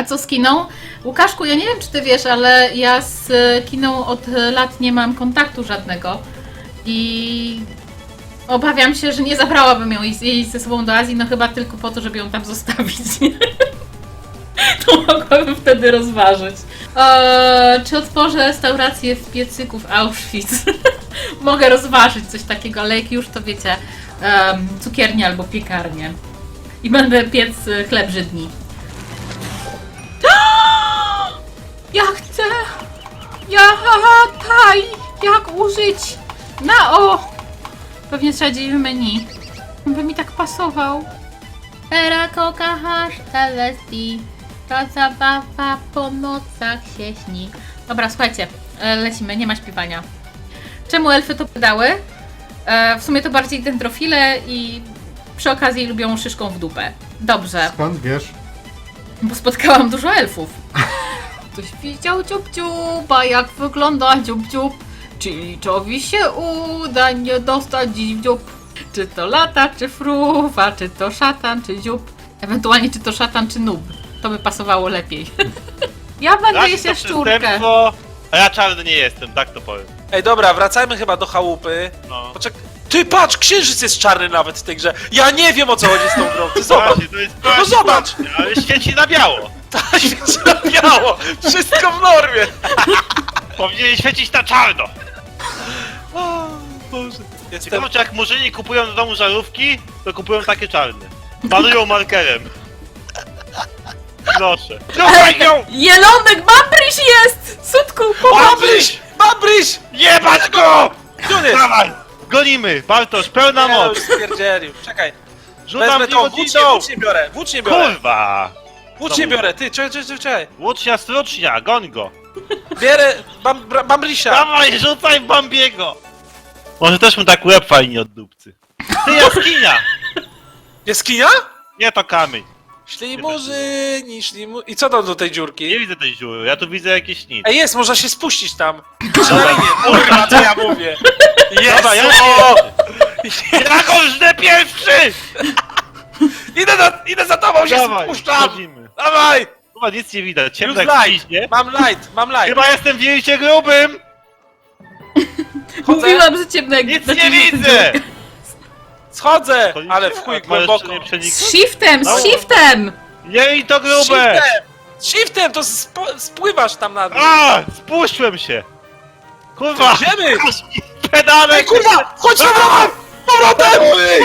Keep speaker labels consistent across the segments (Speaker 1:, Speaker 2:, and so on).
Speaker 1: co z kiną? Łukaszku, ja nie wiem, czy ty wiesz, ale ja z kiną od lat nie mam kontaktu żadnego. I obawiam się, że nie zabrałabym jej ze sobą do Azji, no chyba tylko po to, żeby ją tam zostawić. To mogłabym wtedy rozważyć. Czy otworzę restaurację w piecyku w Auschwitz? Mogę rozważyć coś takiego, ale jak już to wiecie, cukiernię albo piekarnię. I będę piec chleb Żydni. Ja chcę! Jak użyć? Pewnie trzeba gdzieś w menu. On by mi tak pasował. Era kochasz telesti. Ta zabawa po nocach się śni. Dobra, słuchajcie, lecimy, nie ma śpiewania. Czemu elfy to pytały? W sumie to bardziej dendrofile i przy okazji lubią szyszką w dupę. Dobrze.
Speaker 2: Skąd wiesz?
Speaker 1: Bo spotkałam dużo elfów. Ktoś widział dziób-dziuba, jak wygląda dziób-dziób. Chiliczowi się uda nie dostać dziś w dziób. Czy to lata, czy fruwa, czy to szatan, czy dziób. Ewentualnie czy to szatan, czy nub. To by pasowało lepiej. Ja będę jeść jaszczurkę.
Speaker 3: A ja czarny nie jestem, tak to powiem.
Speaker 4: Ej, dobra, wracajmy chyba do chałupy.
Speaker 3: No.
Speaker 4: Ty patrz, księżyc jest czarny nawet w tej grze. Ja nie wiem, o co chodzi z tą grą. Ty zobacz.
Speaker 3: Właśnie, to jest
Speaker 4: No zobacz.
Speaker 3: ale świeci na biało.
Speaker 4: Tak, świeci na biało. Wszystko w normie.
Speaker 3: Powinien świecić na czarno.
Speaker 4: O Boże. Jestem...
Speaker 3: Ciekawe, czy jak murzyni kupują do domu żarówki, to kupują takie czarne. Malują markerem. Proszę. Dawaj ją!
Speaker 1: Jelonek, Babryś jest! Sutku,
Speaker 4: Babryś! Babryś!
Speaker 3: Jebać go!
Speaker 4: Gdzie on jest?
Speaker 3: Dawaj! Gonimy! Bartosz, pełna
Speaker 4: Nie, no,
Speaker 3: moc!
Speaker 4: już stwierdzielił. Czekaj.
Speaker 3: Rzucam
Speaker 4: Wezmę tą,
Speaker 3: wódź
Speaker 4: włócz nie biorę.
Speaker 3: Kurwa!
Speaker 4: Włócz nie biorę, ty, czekaj.
Speaker 3: Łucznia, strucznia, goń go!
Speaker 4: Bierę Bambrysia.
Speaker 3: Dawaj, rzucaj w Bambiego! Może też mu tak łeb fajnie od dupcy. Ty, jaskinia!
Speaker 4: Jaskinia?
Speaker 3: Nie, to kamień.
Speaker 4: Szli murzyni, I co tam do tej
Speaker 3: Nie
Speaker 4: dziurki?
Speaker 3: widzę tej dziury, ja tu widzę jakieś nic.
Speaker 4: Ej, jest, można się spuścić tam. Przynajmniej nie, kurwa, co ja mówię. Jest,
Speaker 3: Dobra, ja żnę pierwszy!
Speaker 4: Idę za tobą, się
Speaker 3: Dawaj,
Speaker 4: spuszczam.
Speaker 3: wchodzimy.
Speaker 4: Dawaj!
Speaker 3: Chyba nic nie widać,
Speaker 4: Już
Speaker 3: ciemno jak
Speaker 4: light,
Speaker 3: piźnie.
Speaker 4: mam light.
Speaker 3: Chyba jestem w wielcie grubym!
Speaker 4: Chodzę.
Speaker 1: Mówiłam, że ciemno jak
Speaker 3: Nic nie widzę!
Speaker 4: Schodzę,
Speaker 3: Chodzicie?
Speaker 4: ale w chuj
Speaker 3: A możesz
Speaker 4: głęboko.
Speaker 3: nie przeniknąć?
Speaker 1: Z shiftem,
Speaker 3: No.
Speaker 1: z shiftem!
Speaker 3: Nie i to grube!
Speaker 4: Shiftem, to spływasz tam na dół.
Speaker 3: A, spuściłem się! Kurwa!
Speaker 4: Idziemy!
Speaker 3: Pedale!
Speaker 4: Ej, kurwa! Chodź z powrotem!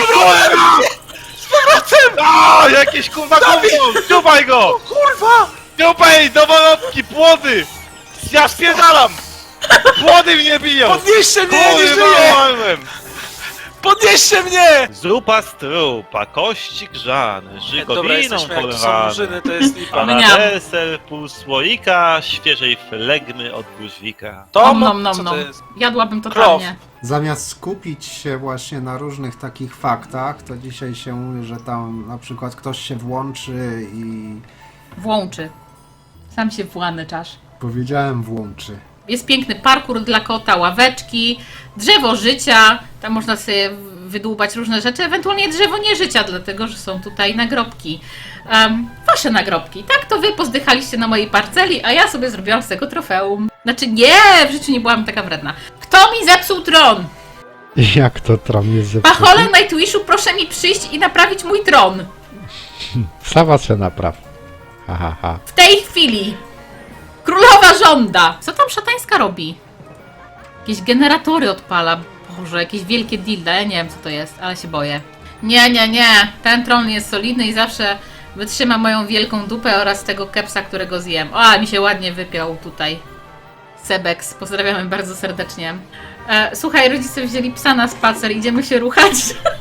Speaker 4: Z powrotem!
Speaker 3: A, jakieś kurwa gówno! Dziubaj go!
Speaker 4: Kurwa!
Speaker 3: Dziubaj, dowolotki, płody! Ja spierdalam! Płody mnie biją!
Speaker 4: Podnieście mnie, ja nie
Speaker 3: Kurwa,
Speaker 4: żyję!
Speaker 3: umarłem!
Speaker 4: Podnieście mnie!
Speaker 3: Zupa z trupa, kości grzane,
Speaker 4: Dobra,
Speaker 3: żygowiną
Speaker 4: jesteśmy, jak to są
Speaker 3: polewane.
Speaker 4: murzyny, to jest lipa.
Speaker 3: A na
Speaker 1: Mniam.
Speaker 3: deser pół słoika świeżej flegmy od buźwika.
Speaker 4: To,
Speaker 1: Nom,
Speaker 4: co
Speaker 1: nom,
Speaker 4: to
Speaker 1: nom.
Speaker 4: jest?
Speaker 1: Jadłabym totalnie.
Speaker 2: Zamiast skupić się właśnie na różnych takich faktach, to dzisiaj się mówi, że tam na przykład ktoś się włączy i...
Speaker 1: Włączy. Sam się włany czasz.
Speaker 2: Powiedziałem włączy.
Speaker 1: Jest piękny parkour dla kota, ławeczki, drzewo życia, tam można sobie wydłubać różne rzeczy, ewentualnie drzewo nie życia, dlatego że są tutaj nagrobki. Wasze nagrobki, tak? To wy pozdychaliście na mojej parceli, a ja sobie zrobiłam z tego trofeum. Znaczy nie, w życiu nie byłam taka wredna. Kto mi zepsuł tron?
Speaker 5: Jak to tron jest zepsuty?
Speaker 1: Pacholem Nightwishu, proszę mi przyjść i naprawić mój tron.
Speaker 5: Sama se napraw. Ha, ha, ha.
Speaker 1: W tej chwili. Królowa żąda. Co tam szatańska robi? Jakieś generatory odpala. Boże, jakieś wielkie dilda. Ja nie wiem, co to jest, ale się boję. Nie. Ten tron jest solidny i zawsze wytrzyma moją wielką dupę oraz tego kepsa, którego zjem. O, mi się ładnie wypiął tutaj. Sebeks, pozdrawiamy bardzo serdecznie. Słuchaj, rodzice wzięli psa na spacer, idziemy się ruchać.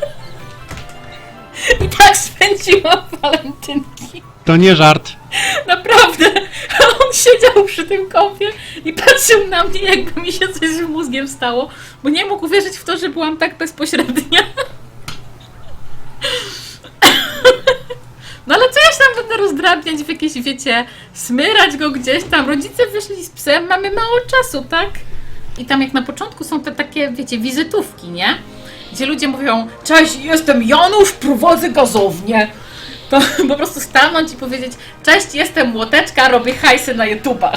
Speaker 1: I tak spędziłam walentynki.
Speaker 5: To nie żart.
Speaker 1: Naprawdę, on siedział przy tym kąpie i patrzył na mnie, jakby mi się coś z mózgiem stało, bo nie mógł uwierzyć w to, że byłam tak bezpośrednia. No ale co ja się tam będę rozdrabniać w jakieś, wiecie, smyrać go gdzieś tam. Rodzice wyszli z psem, mamy mało czasu, tak? I tam jak na początku są te takie, wiecie, wizytówki, nie? Gdzie ludzie mówią, cześć, jestem Janusz, prowadzę gazownię. to po prostu stanąć i powiedzieć: cześć, jestem Młoteczka, robię hajsy na YouTubach.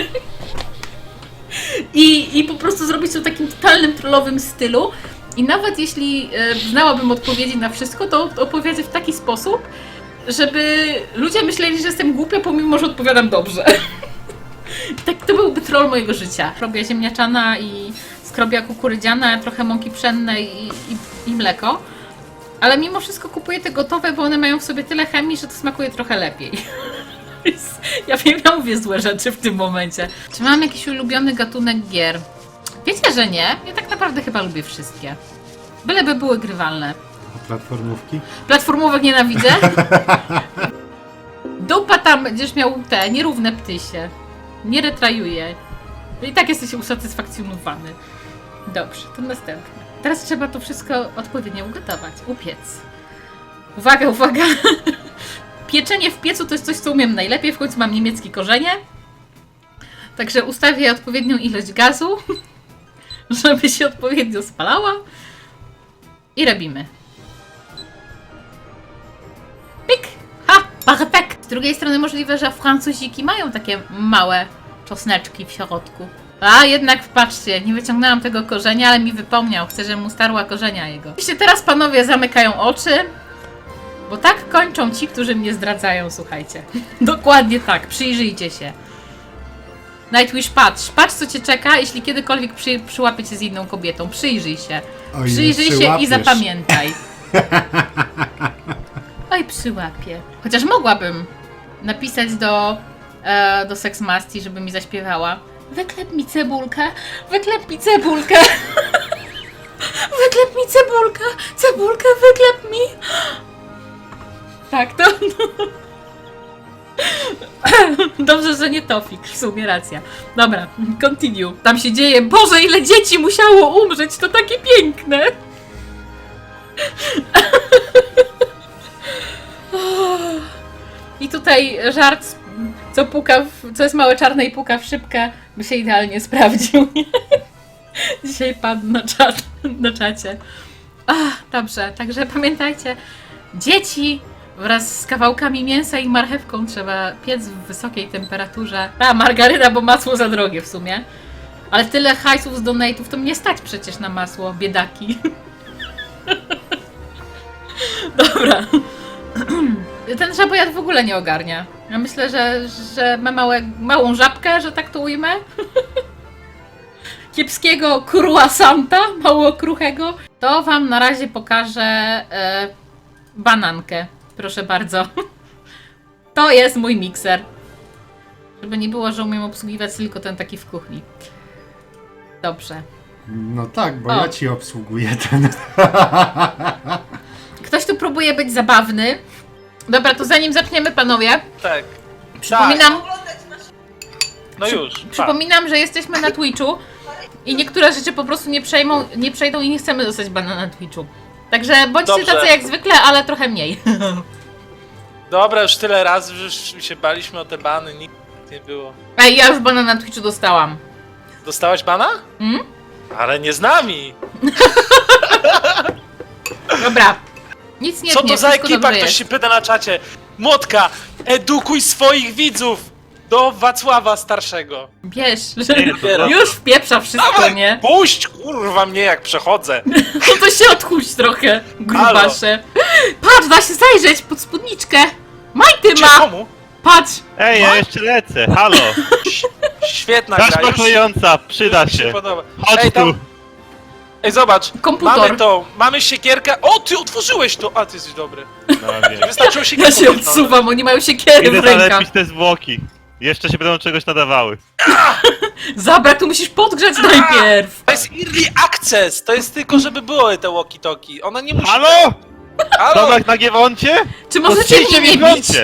Speaker 1: I po prostu zrobić to w takim totalnym trollowym stylu. I nawet jeśli znałabym odpowiedzi na wszystko, to opowiedzę w taki sposób, żeby ludzie myśleli, że jestem głupia, pomimo że odpowiadam dobrze. Tak, to byłby troll mojego życia. Robię ziemniaczana i skrobia kukurydziana, trochę mąki pszennej i mleko. Ale mimo wszystko kupuję te gotowe, bo one mają w sobie tyle chemii, że to smakuje trochę lepiej. Ja wiem, ja mówię złe rzeczy w tym momencie. Czy mam jakiś ulubiony gatunek gier? Wiecie, że nie. Ja tak naprawdę chyba lubię wszystkie. Byleby były grywalne.
Speaker 2: A platformówki?
Speaker 1: Platformówek nienawidzę. Dupa tam będziesz miał te nierówne ptysie. Nie retrajuje. I tak jesteś usatysfakcjonowany. Dobrze, to następne. Teraz trzeba to wszystko odpowiednio ugotować. Upiec. Uwaga, uwaga. Pieczenie w piecu to jest coś, co umiem najlepiej. W końcu mam niemieckie korzenie. Także ustawię odpowiednią ilość gazu, żeby się odpowiednio spalała. I robimy. Pik! Ha! Perfekt! Z drugiej strony możliwe, że Francuziki mają takie małe czosneczki w środku. A jednak patrzcie, nie wyciągnęłam tego korzenia, ale mi wypomniał. Chcę, żebym mu starła korzenia jego. Oczywiście teraz panowie zamykają oczy, bo tak kończą ci, którzy mnie zdradzają, słuchajcie. Dokładnie tak, przyjrzyjcie się. Nightwish, patrz co cię czeka, jeśli kiedykolwiek przyłapie cię z inną kobietą. Przyjrzyj się.
Speaker 2: Oj,
Speaker 1: Przyjrzyj się i
Speaker 2: przyłapiesz.
Speaker 1: zapamiętaj. Oj, przyłapię. Chociaż mogłabym napisać do Seksmasti, żeby mi zaśpiewała. Wyklep mi cebulkę, wyklep mi cebulkę. Wyklep mi cebulkę, cebulkę wyklep mi. Tak, to... Dobrze, że nie Tofik, w sumie racja. Dobra, continue. Tam się dzieje. Boże, ile dzieci musiało umrzeć, to takie piękne. I tutaj żart, co jest małe czarne i puka w szybkę, by się idealnie sprawdził. Dzisiaj padł na czacie. Dobrze, także pamiętajcie, dzieci wraz z kawałkami mięsa i marchewką trzeba piec w wysokiej temperaturze. Margaryna, bo masło za drogie w sumie. Ale tyle hajsów z donate'ów to mnie stać przecież na masło, biedaki. Dobra. Ten żabojad w ogóle nie ogarnia. Ja myślę, że ma małą żabkę, że tak to ujmę. Kiepskiego croissanta, mało kruchego. To wam na razie pokażę banankę. Proszę bardzo. To jest mój mikser. Żeby nie było, że umiem obsługiwać tylko ten taki w kuchni. Dobrze.
Speaker 2: No tak, bo
Speaker 1: O.
Speaker 2: ja ci obsługuję ten.
Speaker 1: Ktoś tu próbuje być zabawny. Dobra, to zanim zaczniemy, panowie,
Speaker 4: Tak.
Speaker 1: przypominam,
Speaker 4: No już.
Speaker 1: przypominam, że jesteśmy na Twitchu i niektóre rzeczy po prostu nie przejdą i nie chcemy dostać bana na Twitchu. Także bądźcie
Speaker 4: Dobrze.
Speaker 1: tacy jak zwykle, ale trochę mniej.
Speaker 4: Dobra, już tyle razy już się baliśmy o te bany, nic nie było.
Speaker 1: Ej, ja już bana na Twitchu dostałam.
Speaker 4: Dostałaś bana?
Speaker 1: Mm?
Speaker 4: Ale nie z nami.
Speaker 1: Dobra. Nic nie
Speaker 4: Co to za
Speaker 1: wszystko
Speaker 4: ekipa?
Speaker 1: dobrze
Speaker 4: Ktoś
Speaker 1: jest.
Speaker 4: się pyta na czacie. Młotka, edukuj swoich widzów do Wacława Starszego.
Speaker 1: Wiesz, że
Speaker 3: Nie, to
Speaker 1: już wpieprza wszystko,
Speaker 4: Dawaj,
Speaker 1: nie?
Speaker 4: puść kurwa mnie jak przechodzę.
Speaker 1: No to się odchuść trochę, grubasze. Patrz, da się zajrzeć pod spódniczkę. Majty
Speaker 4: Gdzie,
Speaker 1: ma!
Speaker 4: komu?
Speaker 1: Patrz!
Speaker 3: Ej, ja jeszcze lecę, halo!
Speaker 4: Świetna gra,
Speaker 3: Taśma
Speaker 4: już
Speaker 3: klejąca, przyda
Speaker 4: mi się
Speaker 3: się.
Speaker 4: podoba.
Speaker 3: Chodź
Speaker 4: Ej, tam,
Speaker 3: tu.
Speaker 4: ej, zobacz,
Speaker 1: Komputer.
Speaker 4: mamy siekierkę. O, ty otworzyłeś to! A, ty jesteś dobry.
Speaker 3: No wiem.
Speaker 4: Wystarczyło
Speaker 1: Ja
Speaker 4: siekierkę.
Speaker 1: się odsuwam, oni mają siekiery
Speaker 3: Idę
Speaker 1: w rękach.
Speaker 3: zalepić te zwłoki. Jeszcze się będą czegoś nadawały.
Speaker 1: Zabrak, tu musisz podgrzać najpierw.
Speaker 4: To jest early access, to jest tylko, żeby były te walkie-talkie. Ona nie musi...
Speaker 3: Halo?
Speaker 4: Halo?
Speaker 3: Tomek na Giewoncie?
Speaker 1: Czy możecie
Speaker 3: Postrzyjcie
Speaker 1: mnie
Speaker 3: mi w
Speaker 1: nie bić?
Speaker 3: lądzie.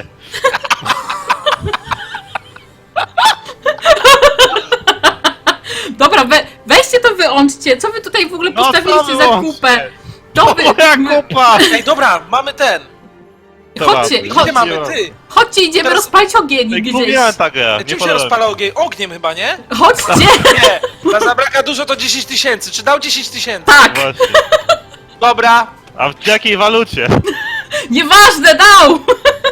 Speaker 1: Dobra, weźcie to wyłączcie. Co wy tutaj w ogóle
Speaker 3: No,
Speaker 1: postawiliście
Speaker 3: to
Speaker 1: za
Speaker 3: wyłączcie.
Speaker 1: kupę?
Speaker 3: To
Speaker 1: To wy...
Speaker 3: moja kupa!
Speaker 4: Ej, dobra, mamy ten.
Speaker 1: Chodźcie,
Speaker 3: Dobra,
Speaker 4: Gdzie
Speaker 1: chodźcie,
Speaker 4: mamy? Ty.
Speaker 1: chodźcie, idziemy
Speaker 4: Teraz-
Speaker 1: rozpalić ogień
Speaker 3: Ej,
Speaker 1: gdzieś.
Speaker 3: Mówiłem ta gra, nie
Speaker 4: Czym się
Speaker 3: podoba mi
Speaker 4: rozpala ogień? Ogniem chyba, nie?
Speaker 1: Chodźcie!
Speaker 4: Nie, dla zabraka dużo to 10 tysięcy. Czy dał 10 tysięcy?
Speaker 1: Tak!
Speaker 3: Właśnie.
Speaker 4: Dobra.
Speaker 3: A w jakiej walucie?
Speaker 1: Nieważne, dał!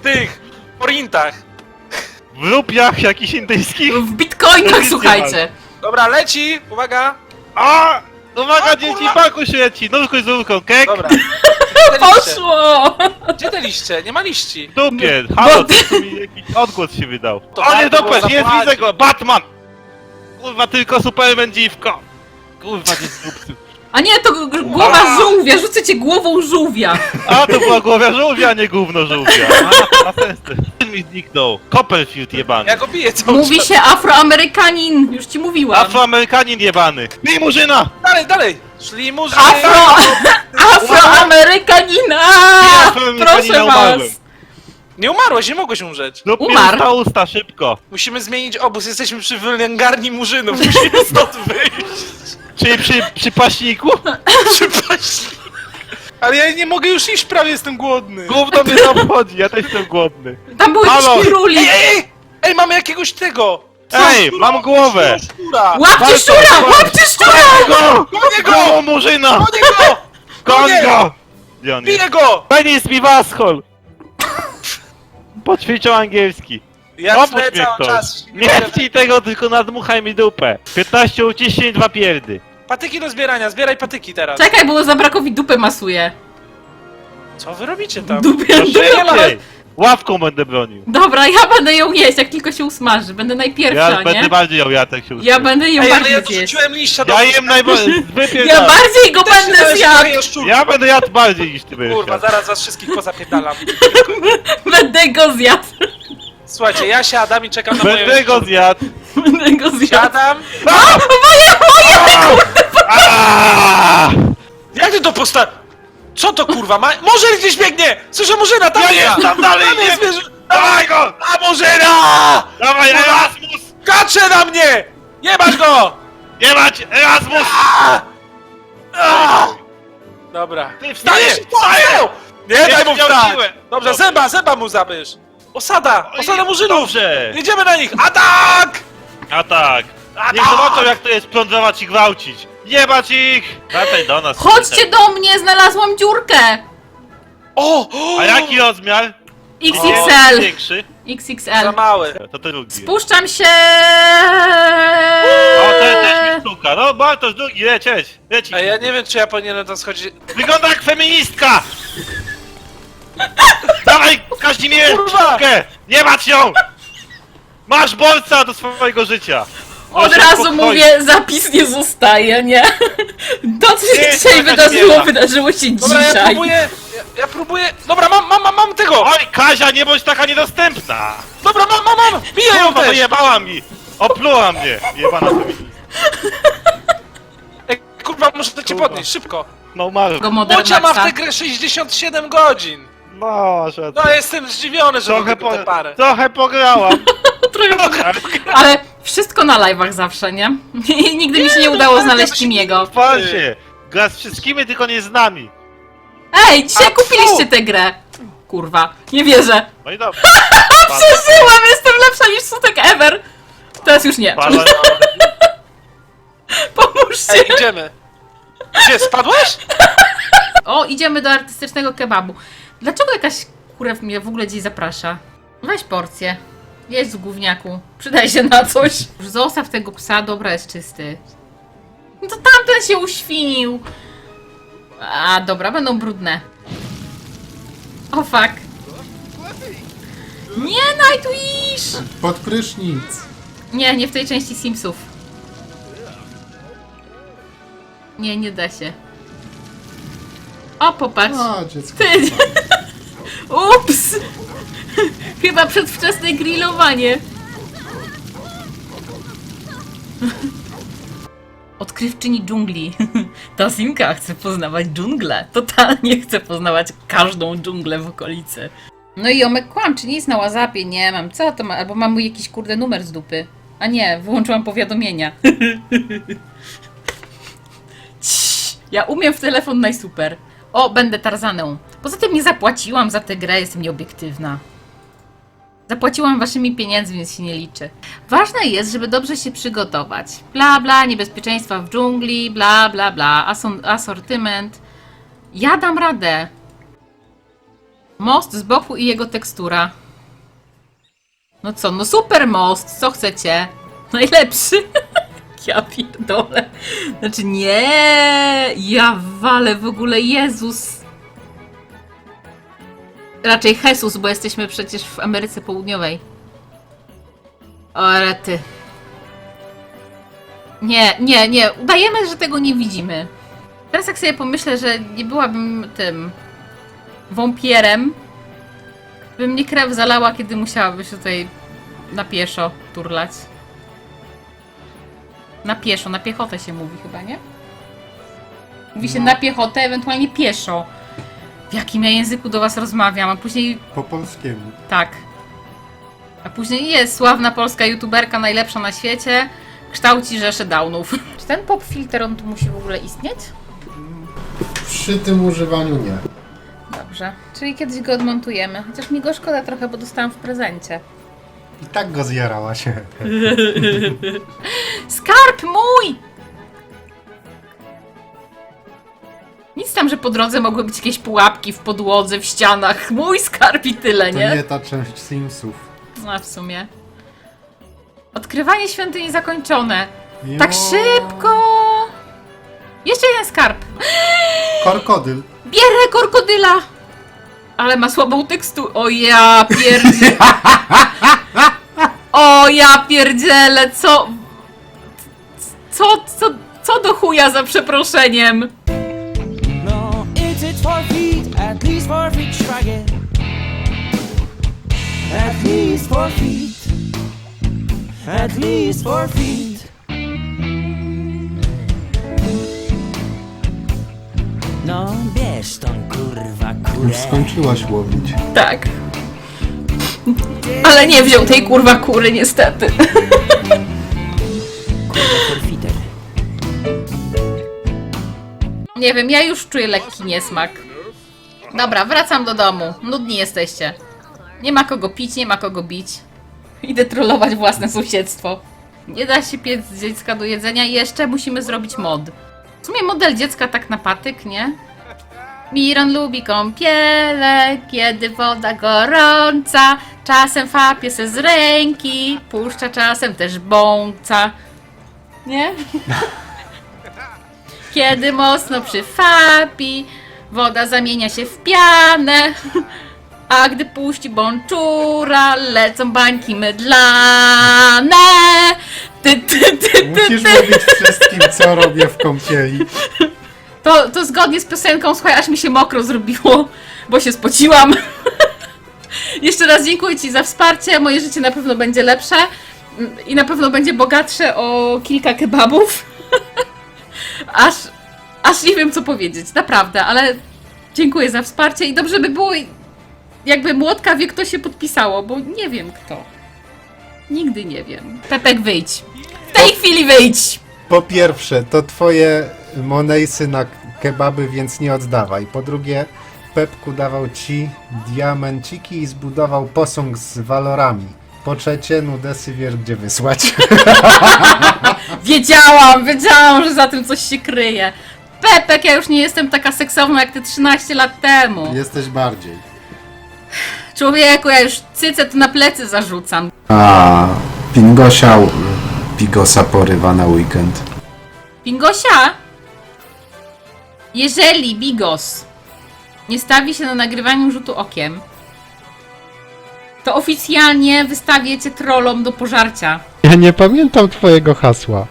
Speaker 4: tych forintach.
Speaker 3: W rupiach jakichś indyjskich.
Speaker 1: W bitcoinach,
Speaker 3: Nic
Speaker 1: słuchajcie.
Speaker 4: Dobra, leci, uwaga.
Speaker 3: A! Uwaga,
Speaker 4: A,
Speaker 3: dzieci,
Speaker 4: kurwa!
Speaker 3: paku się leci! Nóżką z rurką, kek!
Speaker 4: Dobra. Gdzie te liście?
Speaker 1: Poszło!
Speaker 4: Gdzie te liście? Nie ma liści.
Speaker 3: W dupie!
Speaker 1: No
Speaker 3: Halo,
Speaker 1: ty-
Speaker 3: to mi jakiś odgłos się wydał.
Speaker 4: To
Speaker 3: O nie,
Speaker 4: warto było
Speaker 3: dupę, jest,
Speaker 4: zapłacić.
Speaker 3: widzę go! Batman! Kurwa, tylko Superman dziwko! Kurwa, nie zdupcy.
Speaker 1: A nie, to głowa żółwia, rzucę cię głową żółwia.
Speaker 3: A, to była głowa żółwia, a nie gówno żółwia. A, to ma sens. Ten mi zniknął. Copperfield jebany.
Speaker 4: Ja go biję cały
Speaker 1: Mówi
Speaker 4: czas.
Speaker 1: się Afroamerykanin, już ci mówiłam.
Speaker 3: Afroamerykanin jebany. Bij murzyna!
Speaker 4: Dalej, dalej. Szli murzyny.
Speaker 1: Afroamerykanina! Proszę was.
Speaker 4: Nie umarłeś, nie mogłeś umrzeć.
Speaker 3: No
Speaker 1: Umarł.
Speaker 3: usta, szybko.
Speaker 4: Musimy zmienić obóz, jesteśmy przy wylęgarni murzynów. Musimy stąd wyjść.
Speaker 3: Czyli przy paśniku?
Speaker 4: Przepraszam. Ale ja nie mogę już iść, prawie jestem głodny.
Speaker 3: Gówno mnie to obchodzi, ja też jestem głodny.
Speaker 1: Tam były
Speaker 3: Halo.
Speaker 1: jakieś króli.
Speaker 4: Ej, mamy jakiegoś tego.
Speaker 3: Ej, mam głowę.
Speaker 4: Szczura.
Speaker 1: Łapcie
Speaker 3: Walczą,
Speaker 1: szczura,
Speaker 3: walczą.
Speaker 1: łapcie szczura!
Speaker 3: Go!
Speaker 4: Gonię go!
Speaker 3: Go, murzyna!
Speaker 4: Gonię go!
Speaker 3: Goń
Speaker 4: Gonię!
Speaker 3: go! Gdzie on jest?
Speaker 4: Biję go!
Speaker 3: Penis mi waschol! Poćwiczą angielski.
Speaker 4: Ja
Speaker 3: Oprócz
Speaker 4: tnę
Speaker 3: mnie
Speaker 4: cały
Speaker 3: ktoś.
Speaker 4: czas.
Speaker 3: Nie chcij tego, tylko nadmuchaj mi dupę. 15 uciśnień, 2 pierdy.
Speaker 4: Patyki do zbierania, zbieraj patyki teraz.
Speaker 1: Czekaj, bo Zabrakowi dupę masuje.
Speaker 4: Co wy robicie tam?
Speaker 1: Dupę,
Speaker 3: To
Speaker 1: dupę
Speaker 3: szybciej! Ławką będę bronił.
Speaker 1: Dobra, ja będę ją jeść, jak tylko się usmaży. Będę najpierwsza,
Speaker 3: Ja będę
Speaker 1: nie?
Speaker 3: bardziej ją jadł, jak się
Speaker 1: Ja
Speaker 3: uśmiech.
Speaker 1: będę ją
Speaker 4: Ej, ale
Speaker 1: bardziej
Speaker 4: ja
Speaker 1: zjeść.
Speaker 4: dorzuciłem liścia do
Speaker 3: Ja jem najbardziej.
Speaker 1: Ja bardziej go będę zjadł!
Speaker 3: Ja będę jadł bardziej niż ty będziesz
Speaker 4: Kurwa,
Speaker 3: jadł.
Speaker 4: zaraz was wszystkich pozapierdalam.
Speaker 1: Będę go zjadł.
Speaker 4: Słuchajcie, ja siadam i czekam na moje...
Speaker 3: Będę go zjadł.
Speaker 1: Będę go zjadł.
Speaker 4: Siadam.
Speaker 3: Aaaa!
Speaker 4: Jak ty to Co to kurwa ma? Może gdzieś biegnie! Słyszę Murzyna, tam
Speaker 3: Ja
Speaker 4: jest!
Speaker 3: jest tam dalej,
Speaker 4: Tam
Speaker 3: nie
Speaker 4: jest zwierzę!
Speaker 3: Dawaj go!
Speaker 4: A Murzyna!
Speaker 3: Dawaj, Erasmus!
Speaker 4: Kacze na mnie! Jebać go!
Speaker 3: Nie mać! Erasmus!
Speaker 4: Dobra.
Speaker 3: Ty wstajesz!
Speaker 4: Nie, wstaję! Nie, daj mu
Speaker 3: miał
Speaker 4: wstać!
Speaker 3: siłę.
Speaker 4: Dobrze, zęba mu zabierz! Osada! Osada Murzynów!
Speaker 3: Dobrze!
Speaker 4: Jedziemy na nich! Atak!
Speaker 3: A tak! Niech zobaczą, jak to jest plądrować i gwałcić! Jebać ich! Wracaj do nas.
Speaker 1: Chodźcie do mnie, znalazłam dziurkę!
Speaker 4: O!
Speaker 3: A jaki rozmiar? O,
Speaker 1: XXL.
Speaker 3: Większy?
Speaker 4: Za
Speaker 1: XXL.
Speaker 4: mały.
Speaker 3: To drugi.
Speaker 1: Spuszczam się!
Speaker 3: O, ten też mi stuka. No, Bartosz, drugi, leć.
Speaker 4: A ja nie wiem, czy ja powinienem tam schodzić.
Speaker 3: Wygląda jak feministka! Dawaj, Kazimierz,
Speaker 4: Kurwa!
Speaker 3: sztukę! Nie mać ją! Masz bolca do swojego życia!
Speaker 1: Od
Speaker 3: Proszę
Speaker 1: razu
Speaker 3: spokojnie.
Speaker 1: mówię, zapis nie zostaje, nie? To, co się
Speaker 3: Nie,
Speaker 1: dzisiaj
Speaker 3: taka
Speaker 1: wydarzyło,
Speaker 3: zmiana.
Speaker 1: wydarzyło się
Speaker 4: Dobra, ja
Speaker 1: dzisiaj.
Speaker 4: próbuję. Ja próbuję. Dobra, mam tego!
Speaker 3: Oj, Kazia, nie bądź taka niedostępna!
Speaker 4: Dobra, mam! Biję ją
Speaker 3: Kurwa,
Speaker 4: też!
Speaker 3: wyjebała mi! Opluła mnie! Jebana feministka.
Speaker 4: Ej, kurwa, muszę to cię
Speaker 3: Kurwa.
Speaker 4: podnieść, szybko!
Speaker 3: No, umarł.
Speaker 1: Go
Speaker 4: Bocia ma w
Speaker 1: Modernaxa.
Speaker 4: tę grę 67 godzin!
Speaker 3: No, że...
Speaker 4: No, jestem zdziwiony, że
Speaker 3: Trochę,
Speaker 4: tylko tę parę.
Speaker 3: trochę pograłam.
Speaker 1: Ale wszystko na live'ach zawsze, nie? I nigdy mi się nie udało znaleźć Timiego.
Speaker 3: Chwal się! Gra z wszystkimi, tylko nie z nami.
Speaker 1: Ej, dzisiaj
Speaker 4: A,
Speaker 1: kupiliście tę grę! Kurwa, nie wierzę.
Speaker 3: No i dobrze.
Speaker 1: Przeżyłam, jestem lepsza niż Sutek ever! Teraz już nie.
Speaker 3: Padła-
Speaker 1: Pomóżcie!
Speaker 4: Ej, idziemy! Gdzie, spadłeś?
Speaker 1: O, idziemy do artystycznego kebabu. Dlaczego jakaś kurew mnie w ogóle gdzieś zaprasza? Weź porcję. Jedź z gówniaku. Przydaj się na coś. Zostaw tego psa, dobra, jest czysty. No to tamten się uświnił. A, dobra, będą brudne. O, fuck. Nie, Nightwish!
Speaker 2: Pod prysznic.
Speaker 1: Nie, nie w tej części Simsów. Nie, nie da się. O, popatrz.
Speaker 2: O, dziecko.
Speaker 1: Ty. Ups! Chyba przedwczesne grillowanie. Odkrywczyni dżungli. Ta Simka chce poznawać dżunglę. Totalnie chce poznawać każdą dżunglę w okolicy. No i Omek kłam, czy nie jest na WhatsAppie? Nie mam. Co to ma? Albo mam mój jakiś kurde numer z dupy. A nie, wyłączyłam powiadomienia. Ciii, ja umiem w telefon najsuper. O, będę Tarzaną. Poza tym nie zapłaciłam za tę grę, jestem nieobiektywna. Zapłaciłam waszymi pieniędzmi, więc się nie liczy. Ważne jest, żeby dobrze się przygotować. Bla bla, niebezpieczeństwa w dżungli, bla bla bla, asortyment. Ja dam radę. Most z boku i jego tekstura. No co, no super most, co chcecie? Najlepszy. Ja pierdolę. Znaczy nie, ja walę w ogóle, Jezus. Raczej Jesus, bo jesteśmy przecież w Ameryce Południowej. O, rety. Nie, udajemy, że tego nie widzimy. Teraz jak sobie pomyślę, że nie byłabym tym wampirem, by mnie krew zalała, kiedy musiałaby się tutaj na pieszo turlać. Na pieszo, na piechotę się mówi chyba, nie? Mówi się na piechotę, ewentualnie pieszo. W jakim ja języku do was rozmawiam, a później...
Speaker 2: Po polskiemu.
Speaker 1: Tak. A później jest sławna polska youtuberka, najlepsza na świecie, kształci rzeszę downów. Czy ten pop filter, on tu musi w ogóle istnieć?
Speaker 2: Przy tym używaniu nie.
Speaker 1: Dobrze. Czyli kiedyś go odmontujemy. Chociaż mi go szkoda trochę, bo dostałam w prezencie.
Speaker 2: I tak go zjarała się.
Speaker 1: Skarb mój! Nic tam, że po drodze mogły być jakieś pułapki w podłodze, w ścianach. Mój skarb i tyle,
Speaker 2: To
Speaker 1: nie?
Speaker 2: nie ta część Simsów.
Speaker 1: No w sumie. Odkrywanie świątyni zakończone. Tak szybko! Jeszcze jeden skarb.
Speaker 2: Krokodyl.
Speaker 1: Bierę krokodyla! Ale ma słabą teksturę. O ja pierdzielę. O ja pierdzielę, co do chuja za przeproszeniem?
Speaker 6: No, it's 4 feet, at least 4 feet, strike it. At least 4 feet, at least 4 feet. No, bierz tą kurwa kurę.
Speaker 2: Już skończyłaś łowić.
Speaker 1: Tak. Ale nie wziął tej kurwa kury niestety.
Speaker 6: Kurwa forfiter.
Speaker 1: Nie wiem, ja już czuję lekki niesmak. Dobra, wracam do domu. Nudni jesteście. Nie ma kogo pić, nie ma kogo bić. Idę trollować własne sąsiedztwo. Nie da się piec dziecka do jedzenia i jeszcze musimy zrobić mod. W sumie model dziecka tak na patyk, nie? Miron lubi kąpiele, kiedy woda gorąca. Czasem fapie se z ręki, puszcza czasem też bąca. Nie? Kiedy mocno przyfapi, woda zamienia się w pianę. A gdy puści bączura, lecą bańki mydlane.
Speaker 2: Musisz mówić wszystkim, co robię w kąpieli.
Speaker 1: To zgodnie z piosenką, słuchaj, aż mi się mokro zrobiło, bo się spociłam. Jeszcze raz dziękuję ci za wsparcie, moje życie na pewno będzie lepsze i na pewno będzie bogatsze o kilka kebabów. Aż nie wiem co powiedzieć, naprawdę, ale dziękuję za wsparcie i dobrze by było, jakby Młotka wie kto się podpisało, bo nie wiem kto. Nigdy nie wiem. Pepek, wyjdź. W tej chwili wyjdź!
Speaker 2: Po pierwsze, to twoje monejsy na kebaby, więc nie oddawaj. Po drugie, Pepku dawał ci diamenciki i zbudował posąg z walorami. Po trzecie, nudesy wiesz gdzie wysłać.
Speaker 1: Wiedziałam, że za tym coś się kryje. Pepek, ja już nie jestem taka seksowna jak ty 13 lat temu.
Speaker 2: Jesteś bardziej.
Speaker 1: Człowieku, ja już cycę tu na plecy zarzucam.
Speaker 2: A Pingosia Bigosa porywa na weekend.
Speaker 1: Pingosia? Jeżeli Bigos nie stawi się na nagrywaniu rzutu okiem, to oficjalnie wystawię cię trollom do pożarcia.
Speaker 5: Ja nie pamiętam twojego hasła.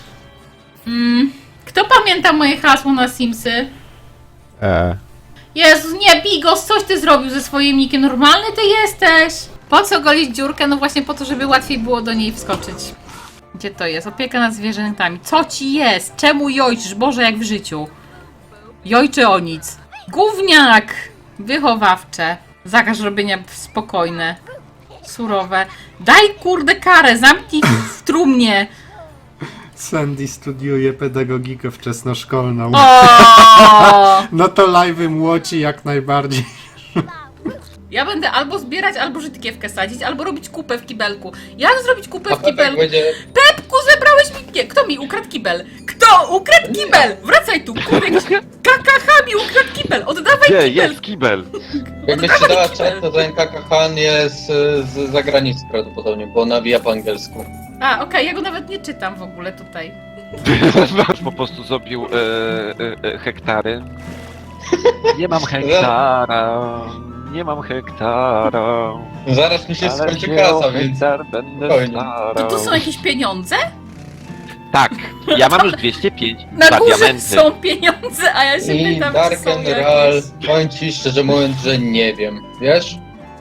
Speaker 1: Kto pamięta moje hasło na Simsy? Jezus, nie, Bigos, coś ty zrobił ze swoim nickiem. Normalny ty jesteś. Po co golić dziurkę? No właśnie po to, żeby łatwiej było do niej wskoczyć. Gdzie to jest? Opieka nad zwierzętami. Co ci jest? Czemu jojczysz? Boże, jak w życiu. Jojczy o nic. Gówniak! Wychowawcze. Zakaz robienia spokojne. Surowe. Daj kurde karę, zamknij w trumnie.
Speaker 2: Sandy studiuje pedagogikę wczesnoszkolną.
Speaker 1: O!
Speaker 2: No to live'y młoci jak najbardziej.
Speaker 1: Ja będę albo zbierać, albo żytkiewkę sadzić, albo robić kupę w kibelku. Jak zrobić kupę w kibelku? Pepku, zebrałeś mi... Nie, kto mi ukradł kibel? Kto ukradł kibel? Wracaj tu, kurde, jakiś KKH mi ukradł kibel! Oddawaj
Speaker 7: Gdzie
Speaker 1: kibel!
Speaker 7: jest kibel?
Speaker 8: Jakbyś ci dała czat, to ten Kakahan jest z zagranicy prawdopodobnie, bo nawija po angielsku.
Speaker 1: A, okej, ja go nawet nie czytam w ogóle tutaj.
Speaker 7: Po prostu zrobił hektary. Nie mam hektara. Nie mam hektara.
Speaker 8: Zaraz mi się
Speaker 7: Ale
Speaker 8: skończy
Speaker 7: wziął
Speaker 8: kasa, więc...
Speaker 7: hektar będę
Speaker 8: spokojnie.
Speaker 7: starał.
Speaker 1: To są jakieś pieniądze?
Speaker 7: Tak, ja mam już 205
Speaker 1: Na
Speaker 7: za
Speaker 1: górze
Speaker 7: diamenty.
Speaker 1: są pieniądze, a ja się
Speaker 8: I
Speaker 1: pytam,
Speaker 8: Dark
Speaker 1: czy są
Speaker 8: General,
Speaker 1: jakieś...
Speaker 8: powiem ci szczerze mówiąc, że nie wiem, wiesz?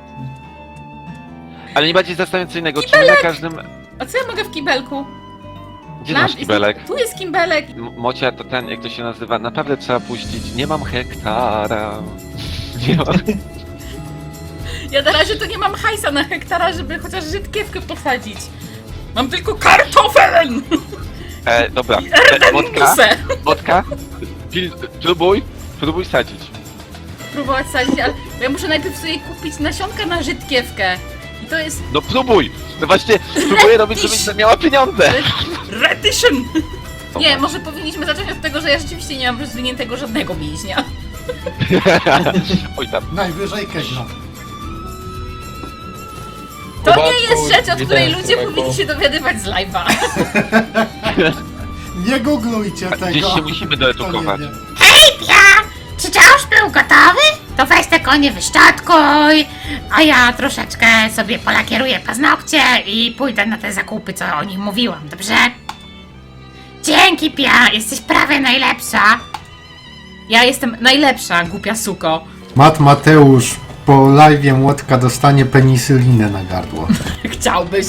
Speaker 7: Ale najbardziej zastanawiającego, czy my na każdym...
Speaker 1: A co ja mogę w kibelku?
Speaker 7: Gdzie masz kibelek?
Speaker 1: Tu jest kibelek.
Speaker 7: Mocia to ten, jak to się nazywa, naprawdę trzeba puścić. Nie mam hektara. Nie mam...
Speaker 1: Ja na razie to nie mam hajsa na hektara, żeby chociaż żydkiewkę posadzić. Mam tylko kartofel!
Speaker 7: Dobra,
Speaker 1: I
Speaker 7: Motka,
Speaker 1: erdenusę!
Speaker 7: Motka, próbuj sadzić.
Speaker 1: Próbować sadzić, ale ja muszę najpierw sobie kupić nasionka na żydkiewkę. I to jest
Speaker 7: No próbuj! No właśnie, próbuję robić, żebyś miała pieniądze.
Speaker 1: redition! Nie, może powinniśmy zacząć od tego, że ja rzeczywiście nie mam rozwiniętego żadnego mięśnia.
Speaker 7: Oj tam.
Speaker 2: Najwyżej Kegno.
Speaker 1: To
Speaker 8: Kubaczku,
Speaker 1: nie jest rzecz, od której
Speaker 8: witam,
Speaker 1: ludzie
Speaker 8: człowieku.
Speaker 1: powinni się dowiadywać z live'a.
Speaker 2: Nie googlujcie tego.
Speaker 7: Gdzieś się musimy doedukować.
Speaker 2: Kto nie wie.
Speaker 1: Czy już był gotowy? To weź te konie wyszczotkuj, a ja troszeczkę sobie polakieruję paznokcie i pójdę na te zakupy, co o nich mówiłam, dobrze? Dzięki, Pia, jesteś prawie najlepsza. Ja jestem najlepsza, głupia suko.
Speaker 2: Mateusz po live'ie Młotka dostanie penisylinę na gardło.
Speaker 1: Chciałbyś.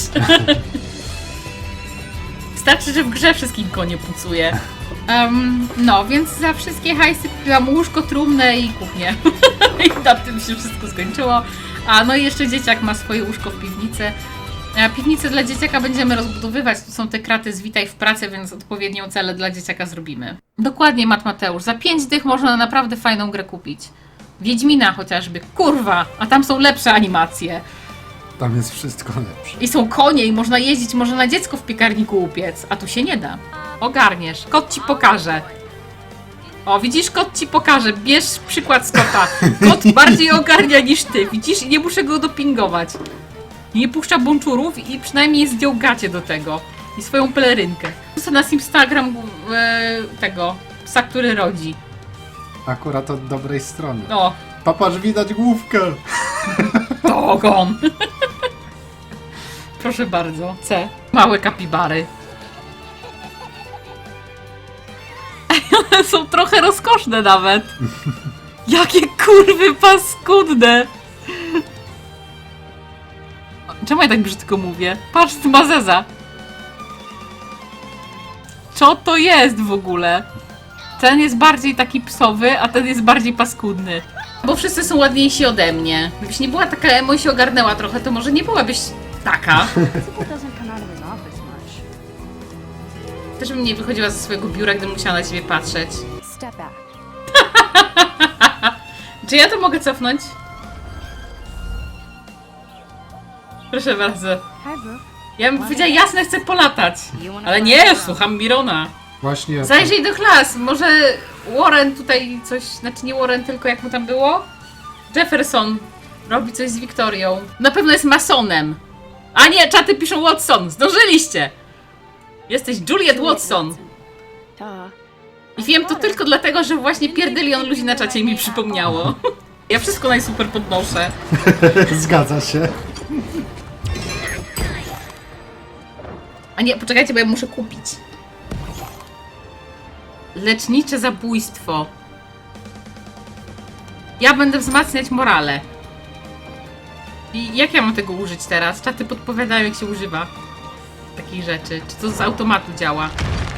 Speaker 1: Wystarczy, że w grze wszystkim konie pucuje. No, więc za wszystkie hajsy kupiłam łóżko, trumnę i kuchnię. I na tym się wszystko skończyło. A no i jeszcze dzieciak ma swoje łóżko w piwnicy. Piwnicę dla dzieciaka będziemy rozbudowywać. Tu są te kraty z Witaj w pracy, więc odpowiednią celę dla dzieciaka zrobimy. Dokładnie, Mateusz. Za 5 dych można naprawdę fajną grę kupić. Wiedźmina chociażby. Kurwa! A tam są lepsze animacje.
Speaker 2: Tam jest wszystko lepsze.
Speaker 1: I są konie i można jeździć, można na dziecko w piekarniku upiec. A tu się nie da. Ogarniesz. Kot ci pokaże. O, widzisz? Kot ci pokaże. Bierz przykład z kota. Kot bardziej ogarnia niż ty. Widzisz? I nie muszę go dopingować. Nie puszcza bączurów i przynajmniej zdjął gacie do tego. I swoją pelerynkę. Wrzucę na Instagram tego psa, który rodzi.
Speaker 2: Akurat od dobrej strony.
Speaker 1: O,
Speaker 2: Papaż, widać główkę.
Speaker 1: ogon. Proszę bardzo. C. Małe kapibary. One są trochę rozkoszne nawet. Jakie kurwy paskudne. Czemu ja tak brzydko mówię? Patrz, ty ma zeza. Co to jest w ogóle? Ten jest bardziej taki psowy, a ten jest bardziej paskudny. Bo wszyscy są ładniejsi ode mnie. Gdybyś nie była taka emo i się ogarnęła trochę, to może nie byłabyś taka. Też bym nie wychodziła ze swojego biura, gdybym musiała na ciebie patrzeć. Czy ja to mogę cofnąć? Proszę bardzo. Ja bym powiedziała, jasne, chcę polatać. Ale nie, słucham Mirona.
Speaker 2: Właśnie.
Speaker 1: Zajrzyj do klas, może Warren tutaj coś, znaczy nie Warren, tylko jak mu tam było? Jefferson robi coś z Wiktorią. Na pewno jest masonem. A nie, czaty piszą Watson, zdążyliście! Jesteś Juliet Watson. I wiem to tylko dlatego, że właśnie pierdylion ludzi na czacie mi przypomniało. Ja wszystko najsuper podnoszę.
Speaker 2: Zgadza się.
Speaker 1: A nie, poczekajcie, bo ja muszę kupić. Lecznicze zabójstwo. Ja będę wzmacniać morale. I jak ja mam tego użyć teraz? Czaty podpowiadają, jak się używa takich rzeczy. Czy to z automatu działa?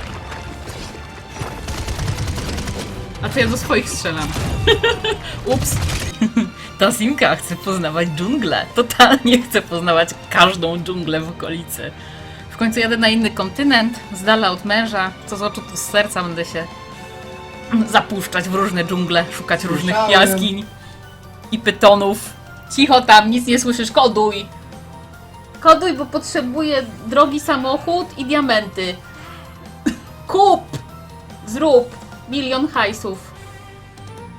Speaker 1: A to ja do swoich strzelam. Ups. Ta Simka chce poznawać dżunglę. Totalnie chce poznawać każdą dżunglę w okolicy. W końcu jadę na inny kontynent, z dala od męża. Co z oczu, to z serca będę się zapuszczać w różne dżungle, szukać różnych
Speaker 2: Słyszałem.
Speaker 1: jaskiń i pytonów. Cicho tam, nic nie słyszysz, koduj! Koduj, bo potrzebuję drogi samochód i diamenty. Kup! Zrób! 1 000 000 hajsów.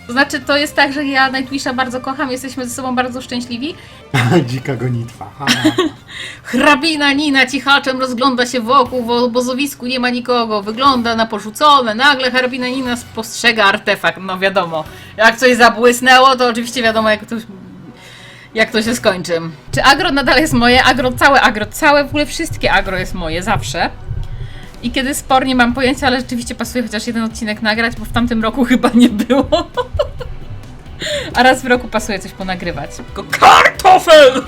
Speaker 1: To znaczy, to jest tak, że ja Nightwisha bardzo kocham, jesteśmy ze sobą bardzo szczęśliwi.
Speaker 2: Dzika gonitwa. Ha.
Speaker 1: Hrabina Nina cichaczem rozgląda się wokół, w obozowisku nie ma nikogo, wygląda na porzucone, nagle hrabina Nina spostrzega artefakt, no wiadomo, jak coś zabłysnęło, to oczywiście wiadomo jak to się skończy. Czy agro nadal jest moje? Całe, w ogóle wszystkie agro jest moje, zawsze. I kiedy spor nie mam pojęcia, ale rzeczywiście pasuje chociaż jeden odcinek nagrać, bo w tamtym roku chyba nie było. A raz w roku pasuje coś ponagrywać. Tylko kartofel!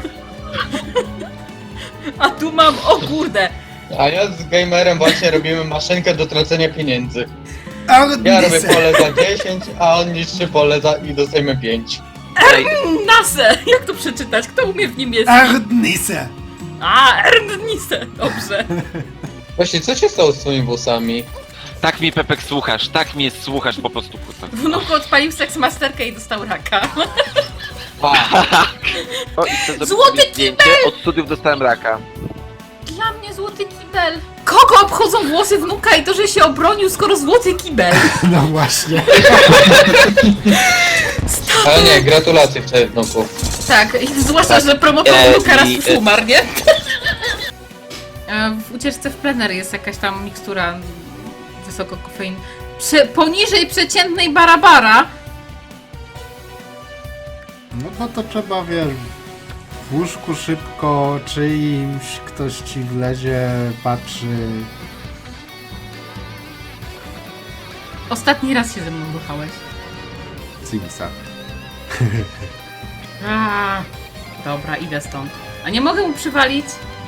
Speaker 1: A tu mam, o kurde!
Speaker 8: A ja z gamerem właśnie robimy maszynkę do tracenia pieniędzy. Ja robię pole za 10, a on niszczy pole i dostajemy 5.
Speaker 1: Nase! Jak to przeczytać? Kto umie w niemieckim?
Speaker 2: Ardnisse!
Speaker 1: A, Erdnisse! Dobrze.
Speaker 8: Właśnie, co się stało z twoimi włosami?
Speaker 7: Tak mnie, Pepek, słuchasz, tak mnie słuchasz po prostu, kurwa.
Speaker 1: Wnuk odpalił seksmasterkę i dostał raka.
Speaker 7: O, i chcę zrobić
Speaker 1: Złoty
Speaker 7: sobie zdjęcie. Od studiów dostałem raka.
Speaker 1: Dla mnie złoty kibel. Kogo obchodzą włosy wnuka i to, że się obronił, skoro złoty kibel?
Speaker 2: No właśnie.
Speaker 8: Ale nie, gratulacje wczoraj wnuku.
Speaker 1: Tak, i zwłaszcza, że promotor wnuka raz już umarł, nie? W ucieczce w plener jest jakaś tam mikstura wysoko kofein. Poniżej przeciętnej barabara.
Speaker 2: No bo to trzeba, wiesz, w łóżku szybko czyimś, ktoś ci wlezie, patrzy.
Speaker 1: Ostatni raz się ze mną ruchałeś.
Speaker 2: Simsa.
Speaker 1: Dobra, idę stąd. A nie mogę mu przywalić?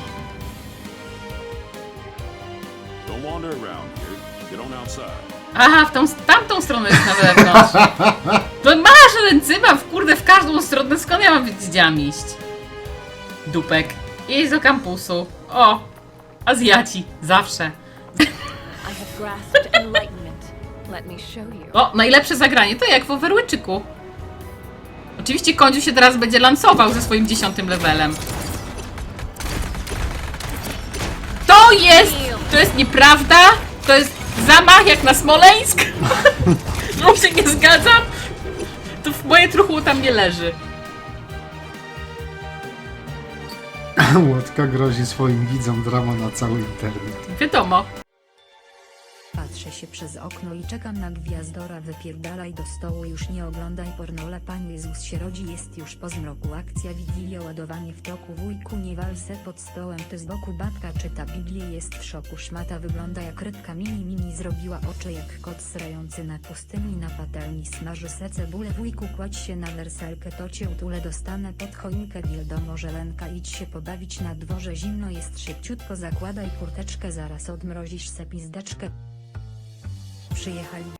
Speaker 9: Don't wander around here. Get on outside.
Speaker 1: Aha, tamtą stronę jest na zewnątrz. To masz ręcyma w każdą stronę, skąd ja mam wiedzieć, gdzie mam iść? Dupek. Jedź do kampusu. O, Azjaci, zawsze.
Speaker 10: I have grasped enlightenment. Let me show you.
Speaker 1: O, najlepsze zagranie, to jak w Overwatchiku. Oczywiście Kądziu się teraz będzie lansował ze swoim 10 levelem. To jest nieprawda, to jest zamach jak na Smoleńsk. No się nie zgadzam. To moje truchło tam nie leży.
Speaker 2: Łotka grozi swoim widzom drama na cały internet.
Speaker 1: Wiadomo.
Speaker 11: Patrzę się przez okno i czekam na gwiazdora. Wypierdalaj do stołu, już nie oglądaj pornola. Pan Jezus się rodzi, jest już po zmroku. Akcja Wigilia, ładowanie w toku. Wujku, nie wal se pod stołem, ty z boku. Babka czyta Biblię, jest w szoku. Szmata wygląda jak rybka mini zrobiła oczy jak kot srający na pustyni. Na patelni smaży se cebulę. Wujku, kładź się na werselkę, to cię utulę, dostanę pod choinkę. Wildomo, żelenka, idź się pobawić na dworze, zimno jest, szybciutko zakładaj kurteczkę, zaraz odmrozisz se pizdeczkę. Przyjechali